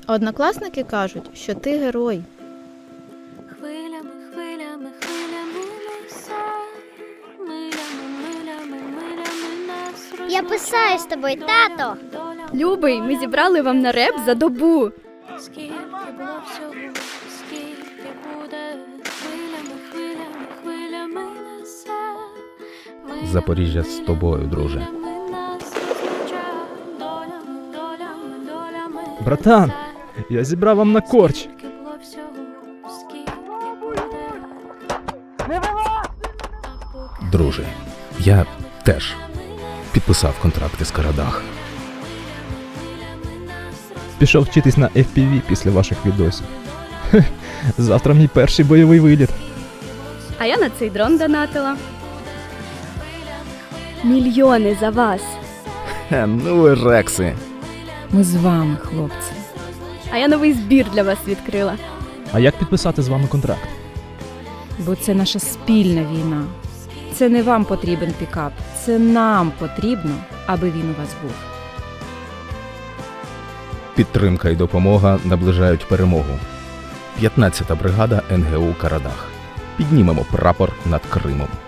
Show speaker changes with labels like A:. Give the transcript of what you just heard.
A: Однокласники кажуть, що ти герой.
B: Хвилями, хвилями, хвилями несе, милями нас
C: Я писаю з тобою, тато.
D: Любий, ми зібрали вам на реп за добу.
B: Скільки було всього, скільки буде, хвилями, хвилями, хвилями несе.
E: Запоріжжя з тобою, друже.
F: Братан, я зібрав вам на корч.
E: Друже, я теж підписав контракти з Карадах.
F: Пішов вчитись на FPV після ваших відосів. Завтра мій перший бойовий виліт.
D: А я на цей дрон донатила. Мільйони за вас.
E: Ну ви рекси.
G: Ми з вами, хлопці.
D: А я новий збір для вас відкрила.
F: А як підписати з вами контракт?
G: Бо це наша спільна війна. Це не вам потрібен пікап. Це нам потрібно, аби він у вас був.
E: Підтримка і допомога наближають перемогу. 15-та бригада НГУ Карадах. Піднімемо прапор над Кримом.